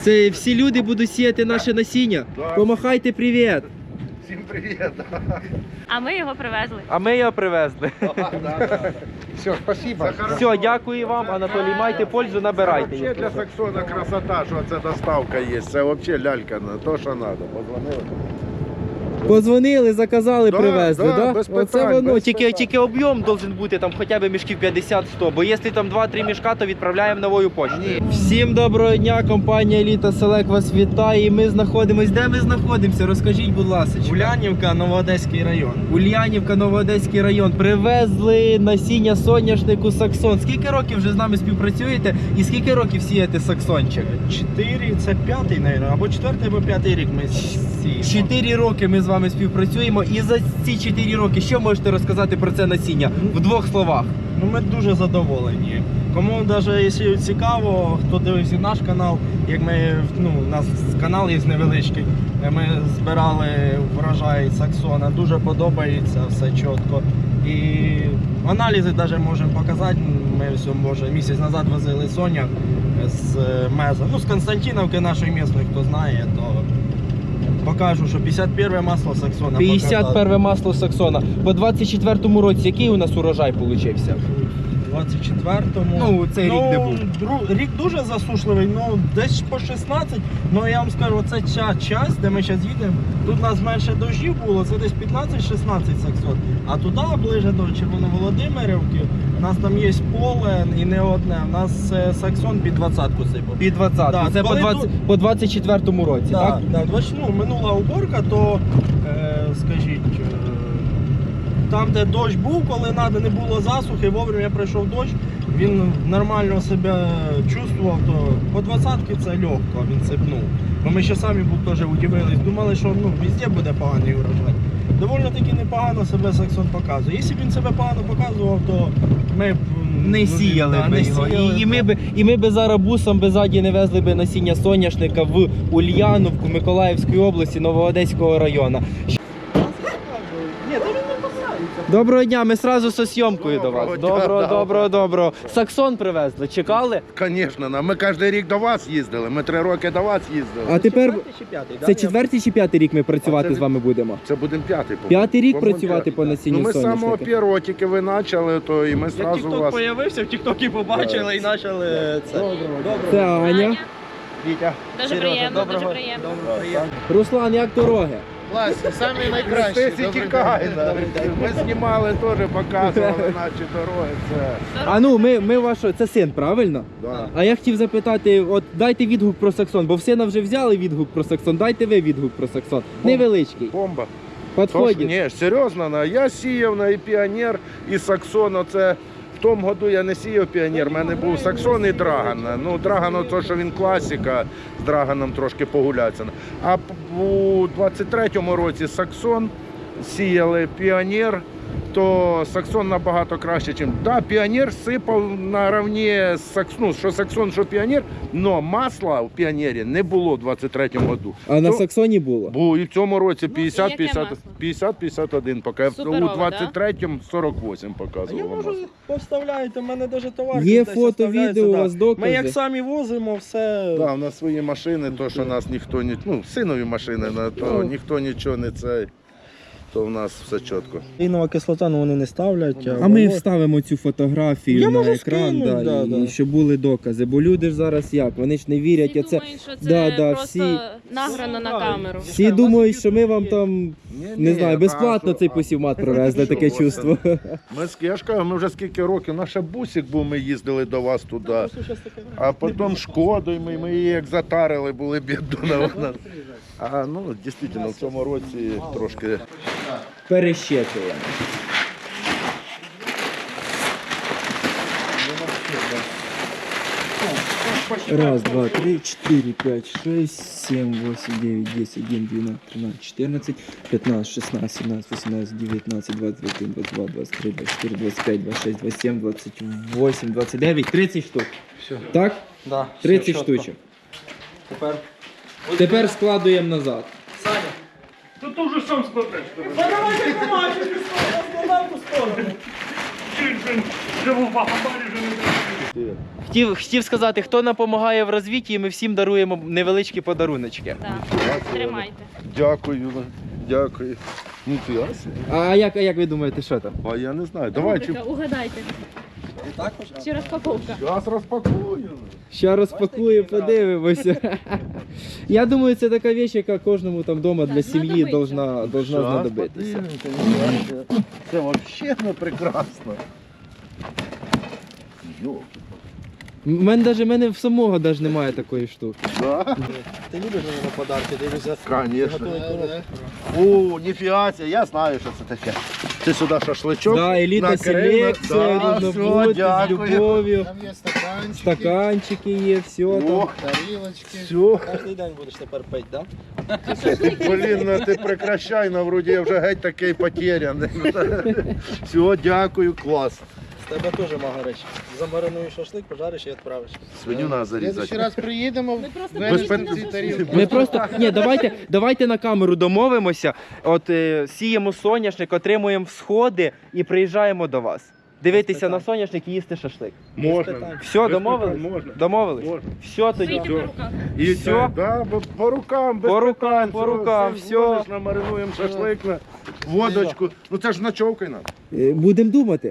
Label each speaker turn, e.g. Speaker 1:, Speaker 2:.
Speaker 1: Це всі люди будуть сіяти наше насіння. Помахайте привіт.
Speaker 2: Всім привіт.
Speaker 3: А ми його привезли.
Speaker 1: А ми його привезли.
Speaker 2: Все, спасибо.
Speaker 1: Все, дякую вам, Анатолій. Майте пользу, набирайте.
Speaker 2: Вообще для Саксона красота, що це доставка є. Це взагалі лялька, то що треба. Позвонили.
Speaker 1: Позвонили, заказали,
Speaker 2: Да,
Speaker 1: привезли,
Speaker 2: да,
Speaker 1: да?
Speaker 2: без
Speaker 1: Оце
Speaker 2: питань,
Speaker 1: воно.
Speaker 2: без
Speaker 1: Тільки,
Speaker 2: питань.
Speaker 1: тільки об'єм должен бути там хоча б мішків 50-100, бо якщо там 2-3 мішка, то відправляємо новою поштою. Всім доброго дня, компанія Еліта Селек вас вітає. І ми знаходимось. Де ми знаходимося? Розкажіть, будь ласка.
Speaker 4: Улянівка, Новоодеський район.
Speaker 1: Ульянівка, Новоодеський район. Привезли насіння соняшнику Саксон. Скільки років вже з нами співпрацюєте і скільки років сієте Саксончик?
Speaker 4: 4, це п'ятий, мабуть, або 4 або 5 рік ми сіємо.
Speaker 1: 4 роки ми з вами співпрацюємо. І за ці 4 роки що можете розказати про це насіння? В 2 словах.
Speaker 4: Ну, ми дуже задоволені. Кому навіть якщо цікаво, хто дивився наш канал, як ми, у нас канал є невеличкий, ми збирали врожай Саксона, дуже подобається, все чітко. І аналізи навіть можемо показати. Ми все, може, місяць назад возили соняк з Меза, з Константиновки нашої місної, хто знає, то покажу, що 51 масло Саксона.
Speaker 1: 51 масло Саксона. По 24-му році який у нас урожай получився?
Speaker 4: 24-му.
Speaker 1: Ну, цей рік не був.
Speaker 4: Рік дуже засушливий, десь по 16. Я вам скажу, оце ця часть, де ми зараз їдемо, тут у нас менше дощів було, це десь 15-16 Саксон. А туди, ближе до Червоноволодимирівки, у нас там є поле і не одне. У нас Саксон під 20-ку сипав.
Speaker 1: Під 20.
Speaker 4: Да,
Speaker 1: Це по 24-му році, так?
Speaker 4: Так, минула уборка, то, скажіть, там, де дощ був, коли треба, не було засухи, вовремя прийшов дощ, він нормально себе чувствував, то по 20-ки це легко, він сипнув. Бо ми ще самі теж удивились, думали, що везде буде поганий урожай. Доволі таки непогано себе Саксон показує. Якщо б він себе погано показував, то ми б
Speaker 1: Не сіяли би його. І ми б зараз бусом ззаді не везли б насіння соняшника в Ульяновку, Миколаївської області, Новоодеського району. Доброго дня, ми одразу зі зйомкою до вас. Доброго. Саксон привезли, чекали?
Speaker 2: Звісно, ми кожен рік до вас їздили, ми 3 роки до вас їздили.
Speaker 1: А тепер
Speaker 4: чи п'ятий, да?
Speaker 1: це 4-й чи 5-й рік ми працювати
Speaker 2: це
Speaker 1: з вами будемо?
Speaker 2: Це будемо 5-й.
Speaker 1: 5-й рік
Speaker 2: По-моєму,
Speaker 1: працювати по насінню
Speaker 2: Ми з самого
Speaker 1: соняшника?
Speaker 2: першого тільки ви почали, то і ми
Speaker 4: Як
Speaker 2: одразу
Speaker 4: тік-ток
Speaker 2: вас...
Speaker 4: з'явився, в тік-токі побачили і почали це.
Speaker 1: Це Аня.
Speaker 4: Вітя.
Speaker 3: Дуже
Speaker 4: Сережа,
Speaker 3: приємно,
Speaker 4: доброго.
Speaker 3: дуже приємно.
Speaker 1: Руслан, як дороги?
Speaker 5: Класні, самі найкращі.
Speaker 2: Христесі тікає. Ми знімали теж, показували наші дороги. Це...
Speaker 1: Ми вашого, це син, правильно?
Speaker 2: Да.
Speaker 1: А я хотів запитати, от дайте відгук про Саксон, бо в сина вже взяли відгук про Саксон, дайте ви відгук про Саксон. Невеличкий.
Speaker 2: Бомба.
Speaker 1: Підходить.
Speaker 2: Ні, серйозно, я сіяв і Піонер, і Саксон. Оце в тому году я не сіяв Піонер, в мене був Саксон і Драган. Драган, то, що він класика, з Драганом трошки погуляться. А у 23-му році Саксон сіяли Піонер, то Саксон набагато краще, ніж... Так, Піонер сипав наравні з Саксоном, що Саксон, що Піонер, але масла в Піонері не було в 23-му году.
Speaker 1: А на Саксоні було?
Speaker 2: Був і в цьому році
Speaker 3: яке масло?
Speaker 2: 50-51, поки у
Speaker 3: Суперове,
Speaker 2: 23-му 48
Speaker 4: А я
Speaker 2: показувало
Speaker 4: можу
Speaker 2: масло.
Speaker 4: поставляєте, в мене навіть товар.
Speaker 1: Є
Speaker 4: десь
Speaker 1: фото,
Speaker 4: оставляється,
Speaker 1: відео, у
Speaker 4: да.
Speaker 1: вас докази?
Speaker 4: Ми як самі возимо, все.
Speaker 2: Да, у нас свої машини, то що нас ніхто не... синові машини, то ніхто нічого не цей, то в нас все чітко.
Speaker 4: Інова кислота, вони не ставлять.
Speaker 1: А ми вставимо цю фотографію
Speaker 4: Я
Speaker 1: на
Speaker 4: можу
Speaker 1: екран,
Speaker 4: скинуть,
Speaker 1: і щоб були докази. Бо люди ж зараз як? Вони ж не вірять.
Speaker 3: Всі думають, що це просто
Speaker 1: всі
Speaker 3: награно на камеру.
Speaker 1: Всі думають, що ми вам там, не знаю, безплатно цей посівмат привезли, таке чувство.
Speaker 2: Я ж кажу, ми вже скільки років, наш бусик був, ми їздили до вас туди, а потім Шкодою, ми її як затарили, були бідна вона. А дійсно, в цьому році трошки...
Speaker 1: Перещепуємо. Раз, два, три, 4, 5, 6, 7, 8, 9, 10, 11, 12, 13, 14, 15, 16, 17, 18, 19, 20, 21, 22, 23, 24, 25, 26, 27, 28, 29, 30 штук.
Speaker 4: Все.
Speaker 1: Так?
Speaker 4: Да,
Speaker 1: 30 штучок. Тепер складуємо назад.
Speaker 4: Саня.
Speaker 5: Тут ти вже сам складаєш.
Speaker 4: Давайте помачу, складав ту сторону.
Speaker 5: Живу в Бахамарі вже не
Speaker 1: Хотів сказати, хто нам допомагає в розвитті, ми всім даруємо невеличкі подаруночки.
Speaker 3: Так. Тримайте.
Speaker 2: Дякую, дякую. Ну ти ясно.
Speaker 1: А як ви думаєте, що там?
Speaker 2: А я не знаю. Давай чи
Speaker 3: Рубрика «Угадайте». Чи розпаковка?
Speaker 2: зараз розпакую.
Speaker 1: Ще розпакую, подивимося. Я думаю, це така річ, яка кожному там вдома для сім'ї должна знадобитися.
Speaker 2: Це взагалі не прекрасно. Йо.
Speaker 1: Мене в самого навіть немає такої штуки.
Speaker 2: Да?
Speaker 4: Ти любиш мені на подарки, дивишся.
Speaker 2: Конечно. О, ніфіга, я знаю, що це таке. Ти сюди шашличок.
Speaker 1: Да, елітна
Speaker 2: накрила.
Speaker 1: селекція,
Speaker 2: Да,
Speaker 1: різно
Speaker 2: все,
Speaker 1: бути, з
Speaker 2: дякую.
Speaker 1: любов'ю.
Speaker 5: Там є стаканчики,
Speaker 1: Стаканчики є, все там.
Speaker 2: О,
Speaker 5: тарілочки.
Speaker 2: все.
Speaker 4: Кожен день будеш тепер пити, так?
Speaker 2: Блін, ну ти прекращай, на вроді я вже геть такий потеряний. Все, дякую, клас.
Speaker 4: З тебе теж магарич. Замаринуєш шашлик, пожариш і відправиш.
Speaker 2: Свиню треба
Speaker 5: В следующий
Speaker 2: зарізати.
Speaker 5: раз приїдемо,
Speaker 3: просто
Speaker 2: Без
Speaker 5: везьмемо ці тарілки.
Speaker 1: Ми просто давайте на камеру домовимося. От сіємо соняшник, отримуємо всходи і приїжджаємо до вас. Дивитися на соняшник і їсти шашлик.
Speaker 2: Можна.
Speaker 1: Все,
Speaker 2: Без
Speaker 1: домовились?
Speaker 2: питань, можна.
Speaker 1: Домовились?
Speaker 2: Можна.
Speaker 1: Все тоді.
Speaker 3: Вийти по руках.
Speaker 2: І
Speaker 1: Все?
Speaker 2: так, да, по рукам, без
Speaker 1: По рукам,
Speaker 2: питань,
Speaker 1: по рукам,
Speaker 2: все.
Speaker 1: все.
Speaker 2: Дзвониш, намаринуємо шашлик на водочку. Ну це ж ночовкою нам.
Speaker 1: Будемо думати.